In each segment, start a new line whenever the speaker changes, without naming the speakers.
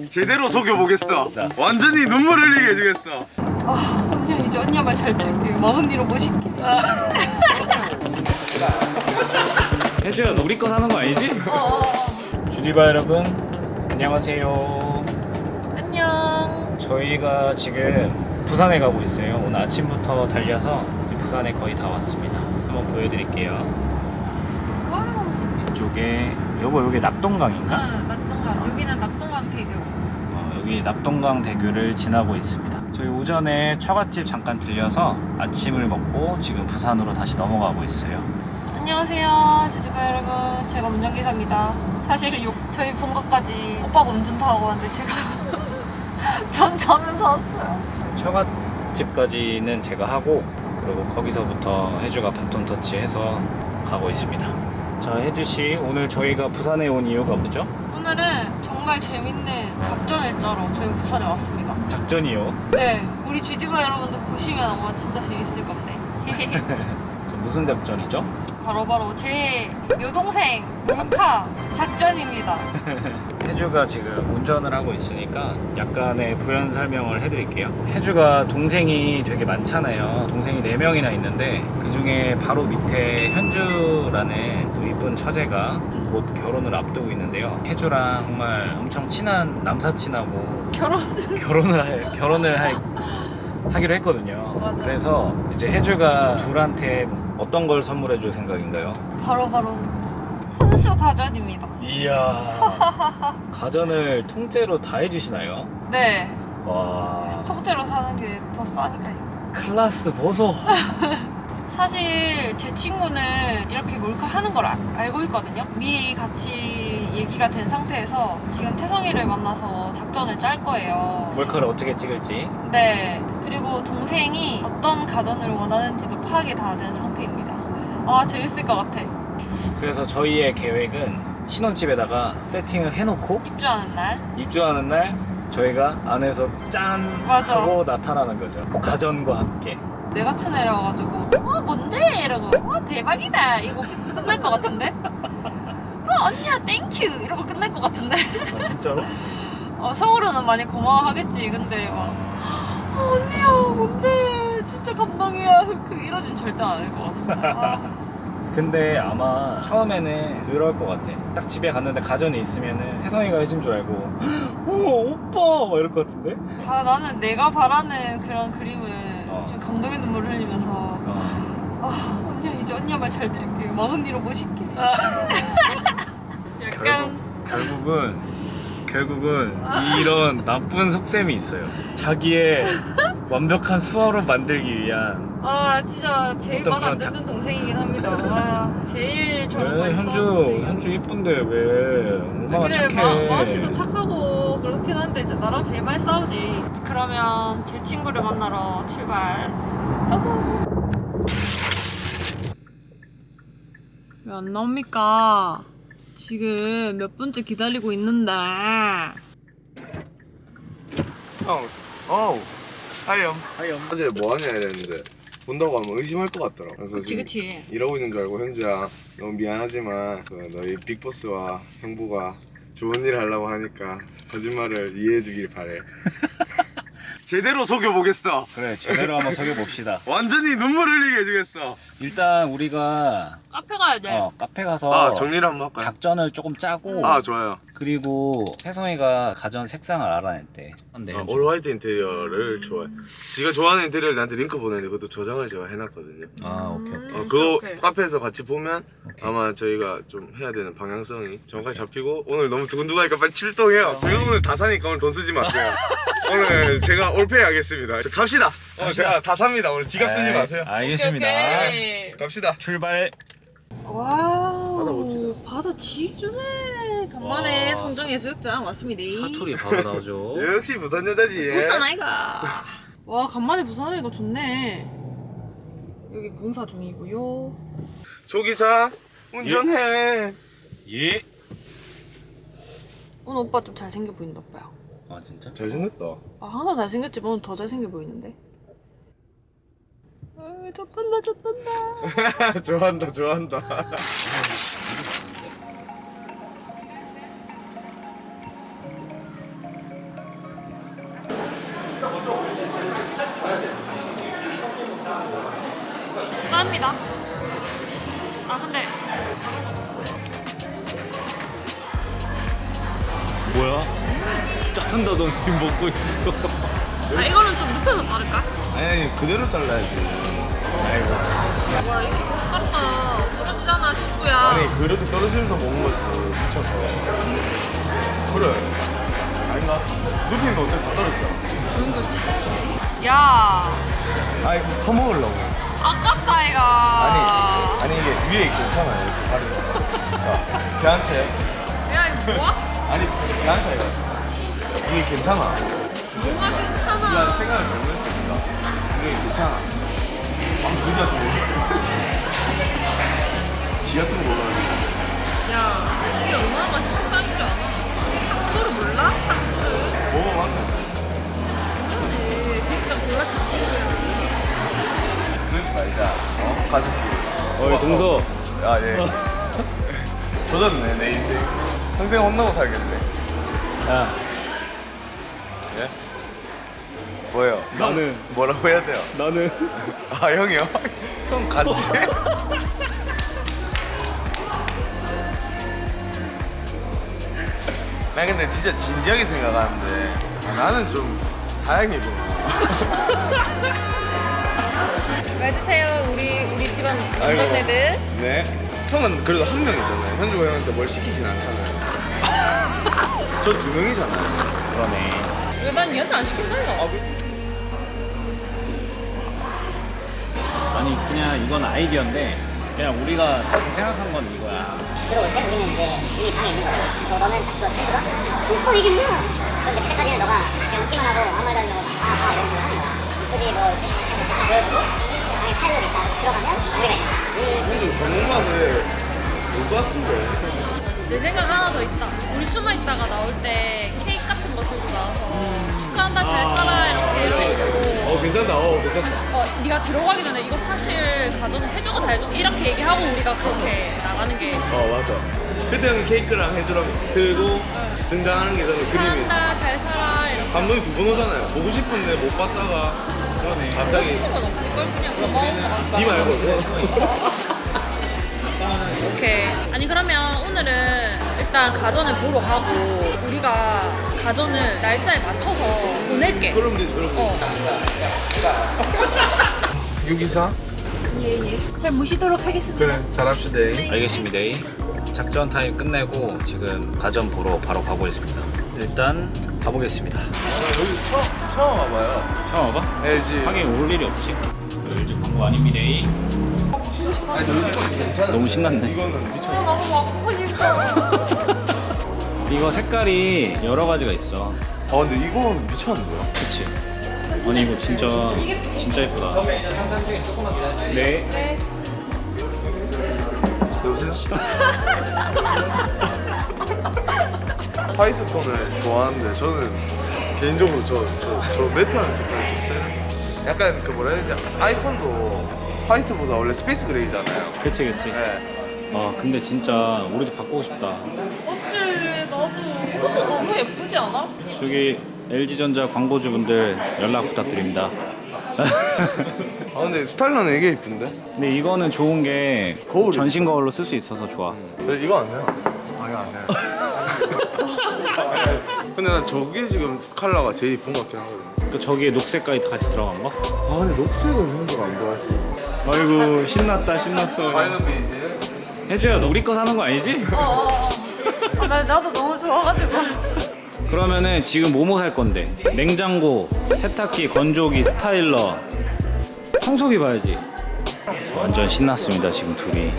제대로 속여보겠어. 완전히 눈물 흘리게 해주겠어.
언니야 이제 언니야 말 잘 들을게. 먼 언니로 모실게.
혜주야 너 우리 거 사는 거 아니지? 주디바 여러분 안녕하세요.
안녕.
저희가 지금 부산에 가고 있어요. 오늘 아침부터 달려서 부산에 거의 다 왔습니다. 한번 보여드릴게요.
와우.
이쪽에 여기 낙동강인가?
낙동강. 여기는 낙동강 대교.
여기 낙동강 대교를 지나고 있습니다. 저희 오전에 처갓집 잠깐 들려서 아침을 먹고 지금 부산으로 다시 넘어가고 있어요.
안녕하세요 제주바 여러분, 제가 운전기사입니다. 사실 저희 본가까지 오빠가 운전사하고 왔는데 제가 전 자면서 왔어요.
처갓집까지는 제가 하고 그리고 거기서부터 혜주가 바톤 터치해서 가고 있습니다. 자, 혜주씨 오늘 저희가 부산에 온 이유가 뭐죠?
오늘은 정말 재밌는 작전을 짜러 저희 부산에 왔습니다.
작전이요?
네, 우리 주디바 여러분들 보시면 아마 진짜 재밌을 건데.
무슨 작전이죠?
바로 제 여동생 몰카 작전입니다.
혜주가 지금 운전을 하고 있으니까 약간의 부연 설명을 해드릴게요. 혜주가 동생이 되게 많잖아요. 동생이 4명이나 있는데 그 중에 바로 밑에 현주라는 또 이쁜 처제가 곧 결혼을 앞두고 있는데요. 혜주랑 정말 엄청 친한 남사친하고 결혼을 하기로 했거든요.
맞아요.
그래서 이제 혜주가 둘한테 어떤 걸 선물해 줄 생각인가요?
바로 혼수 가전입니다.
이야. 가전을 통째로 다 해주시나요?
네,
와.
통째로 사는 게 더 싸니까요.
클라스 보소.
사실 제 친구는 이렇게 몰카 하는 걸 알고 있거든요. 미리 같이 얘기가 된 상태에서 지금 태성이를 만나서 작전을 짤 거예요.
몰카를 어떻게 찍을지.
네, 그리고 동생이 어떤 가전을 원하는지도 파악이 다 된 상태입니다. 아, 재밌을 것 같아.
그래서 저희의 계획은 신혼집에다가 세팅을 해놓고 입주하는 날 저희가 안에서 짠
맞아.
하고 나타나는 거죠. 가전과 함께.
내 같은 애라 가지고 뭔데? 이러고 대박이다 이거 끝날 것 같은데? 언니야 땡큐 이러고 끝날 것 같은데?
아, 진짜로?
서울은 많이 고마워하겠지. 근데 막 언니야 뭔데? 진짜 감동이야. 이러진 절대 안 할 것 같은데.
근데 아마 처음에는 그럴 것 같아. 딱 집에 갔는데 가전이 있으면은 혜성이가 해준 줄 알고 오 오빠 막 이럴 것 같은데?
나는 내가 바라는 그런 그림을 감동의 눈물 흘리면서 언니야 이제 언니야 말 잘 들을게. 먼 언니로 모실게. 약간
결국은 이런 나쁜 속셈이 있어요. 자기의 완벽한 수화로 만들기 위한.
진짜 제일 말 안 듣는 동생이긴 합니다. 제일 저런 거
현주 이쁜데 왜 얼마나
그래,
착해.
마우씨도 착하고 그렇긴 한데 이제 나랑 제일 많이 싸우지. 그러면 제 친구를 만나러 출발. 왜 안 나옵니까? 지금 몇 분째 기다리고 있는데.
하염.
하염.
어제 뭐 하냐 이랬는데 본다고 하면 의심할 것 같더라. 그래서 지금
그치.
이러고 있는 줄 알고 현주야 너무 미안하지만 너희 빅보스와 형부가 좋은 일 하려고 하니까 거짓말을 이해해 주길 바래. 제대로 속여보겠어.
그래 제대로 한번 속여봅시다.
완전히 눈물 흘리게 해주겠어.
일단 우리가
카페 가야 돼.
카페 가서
정리를 한번 할까요?
작전을 조금 짜고
좋아요.
그리고 혜성이가 가전 색상을 알아냈대. 근데
올 화이트 인테리어를 좋아해. 지가 좋아하는 인테리어를 나한테 링크 보내는데 그것도 저장을 제가 해놨거든요.
오케이.
그거
오케이.
카페에서 같이 보면
오케이.
아마 저희가 좀 해야 되는 방향성이 정확하게 잡히고. 오늘 너무 두근두근하니까 빨리 출동해요. 제가 오늘 다 사니까 오늘 돈 쓰지 마세요. 오늘 제가 올페이 하겠습니다. 갑시다. 오늘 제가 다 삽니다. 오늘 지갑 쓰지 마세요.
알겠습니다.
오케이.
갑시다.
출발.
와우,
바다 멋지다.
바다 지주네. 간만에
와.
송정해수욕장 왔습니다.
사투리 바로 나오죠.
역시 부산 여자지.
부산 아이가. 와, 간만에 부산 아이가 좋네. 여기 공사 중이고요.
조기사 운전해.
예.
오늘 오빠 좀 잘생겨 보인다, 오빠야.
아 진짜?
잘생겼다.
항상 잘생겼지만 오늘 더 잘생겨 보이는데. 좋단다.
좋아한다.
아 근데
뭐야? 자른다 너 지금 먹고 있어.
아 이거는 좀 눕혀서 자를까?
아니 그대로 잘라야지. 아이고 진짜.
와 이거 똑같다. 부러지잖아 친구야.
아니 그렇게 떨어지면서 먹는 거지 미쳤어. 그래. 아닌가? 눕히면 어차피 다 떨어지잖아.
그런 거지. 야
아니 퍼먹으려고.
아깝다 이가.
아니 이게 위에 괜찮아요. 이렇게 다리. 자 걔한테.
야 이거 뭐야?
아니 걔한테 이거. 이게 괜찮아.
뭐가
난
괜찮아.
생각을 잘못했으니까. 이게 괜찮아. 아 그냥 좀. 지 같은 거 먹어야지.
야 이게 얼마나 맛있는 줄 알아? 탁구를 몰라? 탁구를.
먹어봤네.
그러지. 그러니까 몰랐지 친구야.
그러지 말자. 가족끼리.
어이 동서.
아 예. 조졌네 내 인생. 평생 혼나고 살겠네.
야
예? 뭐예요?
나는-
뭐라고 해야 돼요?
나는
아 형이요? 형 같이? 나 근데 진짜 진지하게 생각하는데 나는 좀 다행이구나.
왜 드세요 우리 집안
아이고.
남자애들?
네. 형은 그래도 한 명이잖아요. 현주가 형한테 뭘 시키진 않잖아요. 저 두 명이잖아요.
그러네.
왜 난 얘한테 안 시킨다니까?
아니 그냥 이건 아이디어인데 그냥 우리가 대충 생각한 건 이거야.
들어올 때 우리는 이제 이미 방에 있는 거고 너는 딱 들어와? 이게 뭐야? 근데 그때까지는 너가 그냥 웃기만 하고 아무 말도 안 하고 이런 식으로 하는 거야. 굳이 뭐 보여주고 방에 파일럿이 있다 들어가면 우리가 있다.
현주 전문맛을 볼것 같은데.
내 생각 하나 더 있다. 우리 숨어 있다가 나올 때 케이크 같은 거 들고 나와서 축하한다 잘 살아 이렇게 이러고
괜찮다. 괜찮다.
네가 들어가기 전에 이거 사실 가전을 해주고 다 해주고 이렇게 얘기하고 우리가 그렇게 나가는 게
맞아. 그때 형이 케이크랑 해주랑 들고 등장하는 게 저는 그림이.
축하한다 잘 살아 이렇게
감동이 두 번 오잖아요. 보고 싶은데 못 봤다가
하고
갑자기
싶은 건 없을걸? 그냥 고마운 거 같다.
니 말고.
오케이. 아니 그러면 오늘은 일단 가전을 보러 가고 우리가 가전을 날짜에 맞춰서 보낼게.
그럼 되지. 그럼
어.
624?
예예. 잘 모시도록 하겠습니다.
그래 잘합시다.
알겠습니다. 작전 타임 끝내고 지금 가전 보러 바로 가보겠습니다. 일단 가보겠습니다.
여기 처음 와봐요.
처음 와봐?
LG.
하긴 올 일이 없지. LG 광고 아닙니다.
아니 너희 거 괜찮아.
너무 신났네.
이거는 미쳐.
너무 먹고 싶어.
이거 색깔이 여러 가지가 있어.
아 근데 이거는 미쳤는데요?
그치? 아니 이거 진짜 예쁘다. 네.
네.
여보세요? 화이트 톤을 좋아하는데 저는 개인적으로 저 매트하는 색깔이 좀 세요. 약간 그 뭐라 해야 되지? 아이폰도 화이트보다 원래 스페이스 그레이잖아요.
그치.
네.
근데 진짜 우리도 바꾸고 싶다.
어찌 나도 이것도 너무 예쁘지 않아?
저기 LG전자 광고주분들 연락 부탁드립니다.
아 근데 스타일러는 이게 이쁜데?
근데 이거는 좋은 게
거울이
전신 거울로 쓸 수 있어서 좋아.
근데 이거 안 돼요. 아니 안 돼요. 근데 난 저게 지금 컬러가 제일 이쁜 것 같긴 하거든.
또 저기에 녹색까지 같이 들어간 거?
아 근데 녹색은 형도가 안 좋아하시.
아이고 신났어.
파이널 베이지.
해줘야 너 우리 거 사는 거 아니지?
나도 너무 좋아가지고.
그러면은 지금 뭐뭐 살 건데? 냉장고, 세탁기, 건조기, 스타일러, 청소기 봐야지. 완전 신났습니다 지금 둘이.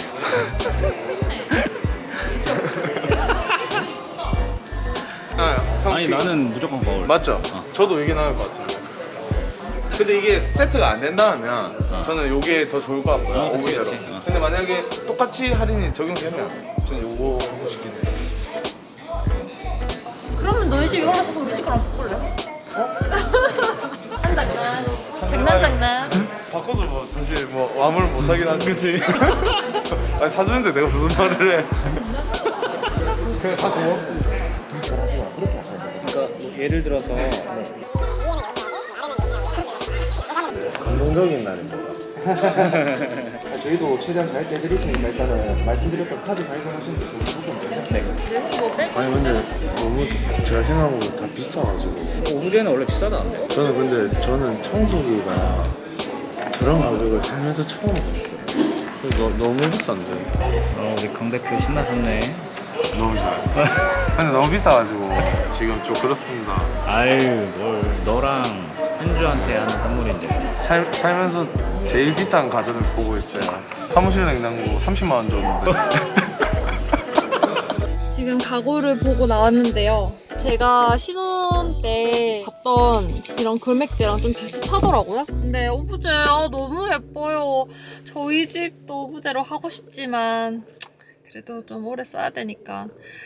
아니 나는 무조건 거울.
맞죠?
어.
저도 이게 나을 것 같은데. 근데 이게 세트가 안 된다면 저는 이게 더 좋을 것 같고요.
그치,
오히려.
그치.
근데 만약에 똑같이 할인이 적용되면 저는 요거 하고 싶긴 해요.
그러면 너희 집 이거 갖고서 우리 집 거랑 바꿀래? 장난.
바꿔도 뭐 사실 뭐 아무를 못하긴 하지. 그치. 아니 사주는데 내가 무슨 말을 해. 그냥 다 고맙지.
그러니까 예를 들어서
감동적인 날입니다. 저희도 최대한 잘 떼드릴 테니까 일단은 말씀드렸던 카드 발견하시는 게 좋은 거죠? 네. 아니 근데 너무 제가 생각한 거보다 다 비싸가지고
오브제는 원래 비싸다는데?
저는 청소기가 저런 가격을 살면서 처음 봤어요. 너무 비싼데.
우리 강 대표 신나셨네.
너무 좋아요. 근데 너무 비싸가지고 지금 좀 그렇습니다.
아유 뭘 너랑 현주한테 하는 선물인데.
살면서 제일 비싼 가전을 보고 있어요. 사무실 냉장고 30만 원 줬는데.
지금 가구를 보고 나왔는데요. 제가 신혼 때 봤던 이런 금액대랑 좀 비슷하더라고요. 근데 오브제 너무 예뻐요. 저희 집도 오브제로 하고 싶지만 그래도 좀 오래 써야 되니까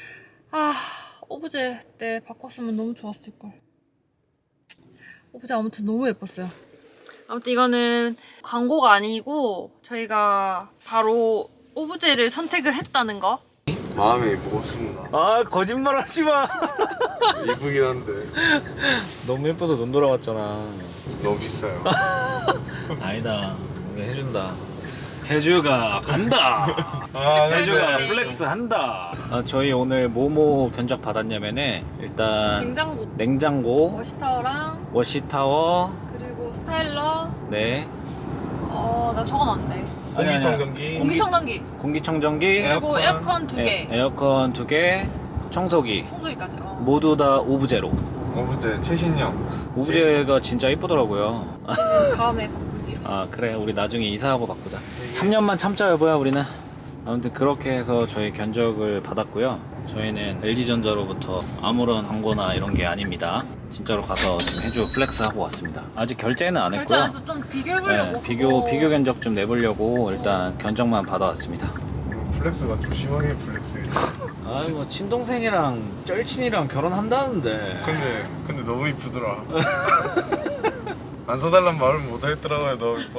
오브제 때 바꿨으면 너무 좋았을걸. 오브제 아무튼 너무 예뻤어요. 아무튼 이거는 광고가 아니고 저희가 바로 오브제를 선택을 했다는 거.
마음이 무겁습니다.
아 거짓말 하지 마.
이쁘긴 한데
너무 예뻐서 눈 돌아갔잖아.
너무 비싸요.
아니다. 우리 해준다. 해주가 간다. 해주가 플렉스 한다. 저희 오늘 뭐뭐 견적 받았냐면은 일단 냉장고,
워시타워랑
워시타워,
그리고 스타일러.
네.
나 적어놨는데.
공기청정기,
공기청정기,
그리고 에어컨 2개.
에어컨 2개, 청소기
청소기까지.
모두 다 오브제로.
오브제 최신형.
오브제가 진짜 이쁘더라고요.
다음에 바꾸기로.
그래 우리 나중에 이사하고 바꾸자. 3년만 참자 여보야 우리는. 아무튼 그렇게 해서 저희 견적을 받았고요. 저희는 LG전자로부터 아무런 광고나 이런 게 아닙니다. 진짜로 가서 지금 해주 플렉스 하고 왔습니다. 아직 결제는 안 했고요.
결제해서 좀 비교해보려고.
네, 비교 견적 좀 내보려고 일단 견적만 받아왔습니다.
플렉스가 좀 심하게 플렉스예요.
아이 뭐 친동생이랑 쩔친이랑 결혼한다는데.
근데 너무 이쁘더라. 안 사달란 말을 못 하겠더라고요. 너무 이뻐.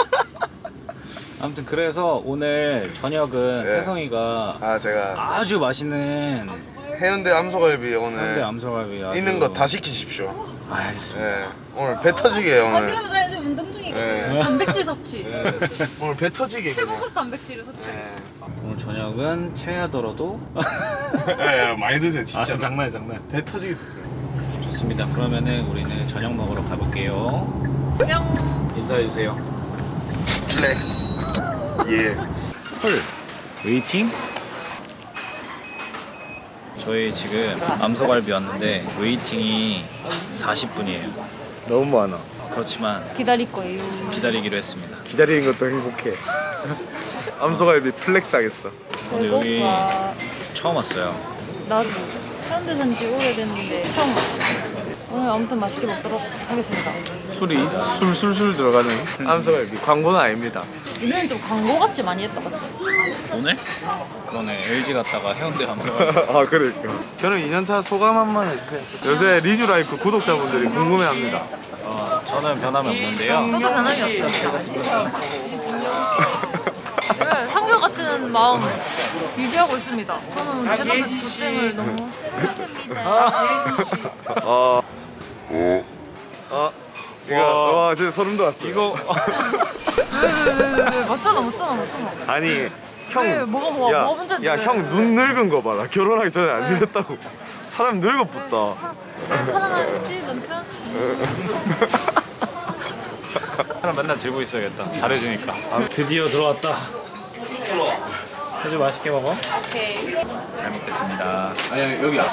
아무튼 그래서 오늘 저녁은
네.
태성이가
제가
아주 맛있는
해운대 암소갈비
현대
오늘
암소갈비 아주...
있는 거 다 시키십시오.
알겠습니다.
네. 오늘 배 터지게 오늘.
그래도 나 지금 운동 중이거든.
네.
단백질 섭취.
오늘 배 터지게.
최고급 단백질을 섭취해.
네.
오늘 저녁은 체하더라도
많이 드세요 진짜.
장난.
배 터지게 드세요.
좋습니다. 그러면은 우리는 저녁 먹으러 가볼게요.
뿅.
인사해주세요.
플렉스. 예.
헐. 웨이팅? 저희 지금 암소갈비 왔는데 웨이팅이 40분이에요.
너무 많아.
그렇지만
기다릴 거예요.
기다리기로 했습니다.
기다리는 것도 행복해. 암소갈비 플렉스 하겠어.
근데 여기 처음 왔어요.
나도 해운대 산지 오래됐는데 처음 왔어요. 오늘 아무튼 맛있게 먹도록 하겠습니다.
술이 술술술 들어가는 암소갈비. 광고는 아닙니다.
우리는 좀 광고 같이 많이 했다 맞지?
오늘? 그러네. LG 갔다가 해운대 암소갈비.
아 그러니까. 저는 2년차 소감 한번 해주세요. 요새 리즈라이프 구독자분들이 궁금해합니다.
저는 변함이 없는데요.
저도 변함이 없습니다. 네, 한결같은 마음 유지하고 있습니다. 저는 제가 조땡을 너무
이거 와 진짜 소름 돋았어. 이거
왜 맞잖아.
아니 형.
왜, 뭐가 문제인데?
야 형 눈 늙은 거 봐라. 결혼하기 전에 안 늙었다고. 사람 늙어붙다.
사랑하는 남편?
사람 맨날 들고 있어야겠다. 잘해주니까. 드디어 들어왔다. 해주 맛있게 먹어.
오케이.
잘 먹겠습니다. 아니 여기야.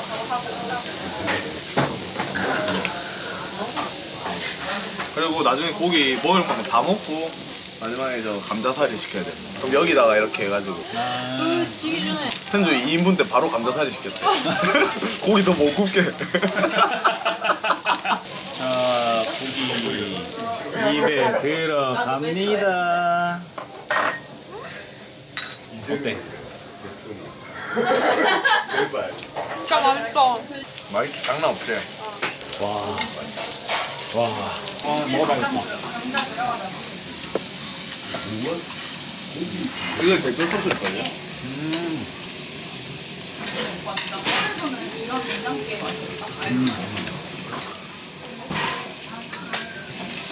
그리고 나중에 고기 먹을 거면 다 먹고 마지막에 저 감자살이 시켜야 돼. 그럼 여기다가 이렇게 해가지고
지기 전에
현주 2인분 때 바로 감자살이 시켰대. 고기 더 못 굽게.
자, 고기 입에 들어갑니다. 어때?
진짜 맛있어.
맛있 장난 없지.
와.
먹어봐야겠다. 이게 댓글 소스일걸요?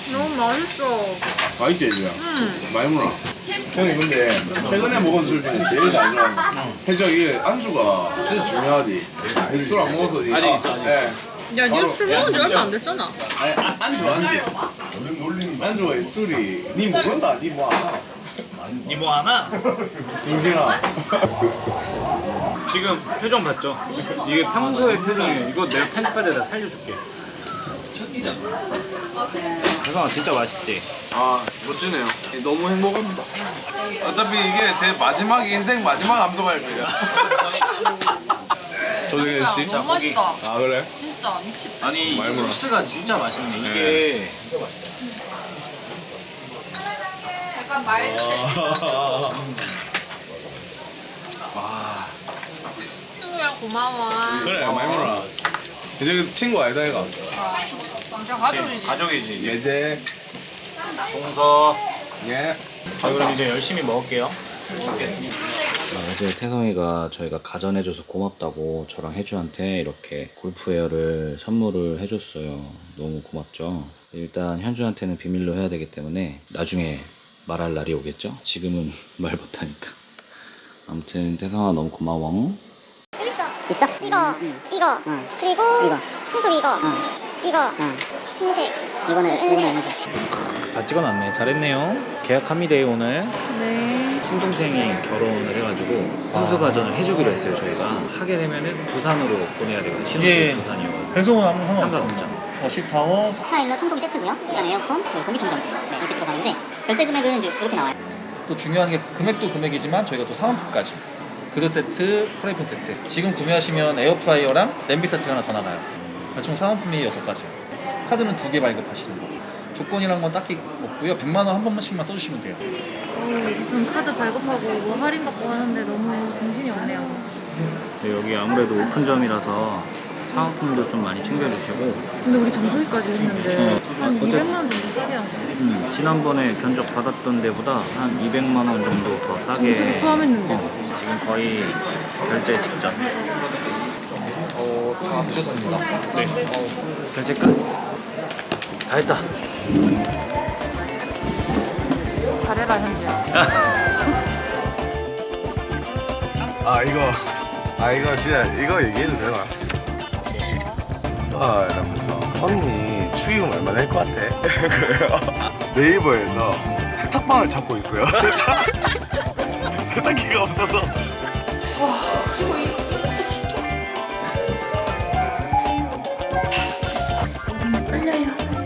너무 맛있어.
맛있지, 얘들아? 많이 먹어. 형님, 근데 최근에 먹은 술 중에 제일 잘 좋아하는 거. 해적 이게 안주가 진짜 중요하지. 술 안 먹어서. 아직 있어, 아직. 네.
야, 니가 술 먹은 지 얼마 안 됐잖아.
안주. 안주가 술이. 니 모른다, 니 뭐 알아.
니 뭐 하나?
동생아.
지금 표정 봤죠? 이게 평소의 표정이에요. 이거 내가 편집할 때 다 살려줄게. 혜성아 진짜 맛있지?
아, 멋지네요. 너무 행복합니다. 어차피 이게 제 마지막 인생 마지막 암소갈비야. 조정현 씨?
너무 맛있다.
아, 그래?
진짜 미쳤다.
아니 이
많이 먹어.
소스가 진짜 맛있네. 이게
약간 말도 돼. 친구야 고마워.
그래, 많이 먹어라. 이제 친구 아니다, 얘가.
진짜 가족이지.
가족이지.
예제.
동서.
예.
자 그럼 이제 열심히 먹을게요.
어제 태성이가 저희가 가전해줘서 고맙다고 저랑 혜주한테 이렇게 골프웨어를 선물을 해줬어요. 너무 고맙죠. 일단 현주한테는 비밀로 해야 되기 때문에 나중에 말할 날이 오겠죠? 지금은 말 못하니까. 아무튼 태성아 너무 고마워.
있어? 이거 그리고 청소기 이거 흰색 이거는 흰색
다 찍어놨네. 잘했네요. 계약합니다 오늘.
네.
친동생이 결혼을 해가지고 혼수가전을 해주기로 했어요. 저희가 하게 되면은 부산으로 보내야 되거든요. 신혼집 부산이요.
배송은 아무 상관없어.
상관없죠.
식타워
스타일러 청소기 세트고요 그다음 에어컨 그리고 공기청정 이렇게 들어가는데 결제 금액은 이제 이렇게 나와요
또 중요한 게 금액도 금액이지만 저희가 또 사은품까지 그릇 세트, 프라이팬 세트 지금 구매하시면 에어프라이어랑 냄비 세트가 하나 더 나가요. 총 사은품이 6가지. 카드는 2개 발급하시는 거. 조건이란 건 딱히 없고요. 100만 원 한 번씩만 써주시면 돼요.
무슨 카드 발급하고 뭐 할인 받고 하는데 너무 정신이 없네요.
네, 여기 아무래도 오픈점이라서 사은품도 좀 많이 챙겨주시고
근데 우리 정수기까지 했는데 한
어째-
200만 원 정도 싸게 한 거예요.
지난번에 견적 받았던 데보다 한 200만 원 정도 더 싸게
정수기 포함했는데.
지금 거의 결제 직전.
다 드셨습니다.
네. 결제 끝. 다 했다.
잘해라 현주야.
이거 진짜 이거 얘기해도 되나? 이러면서 언니 축의금 얼마 낼 것 같아? 그래요. 네이버에서 세탁방을 찾고 있어요. 세탁기가 없어서.
떨려요.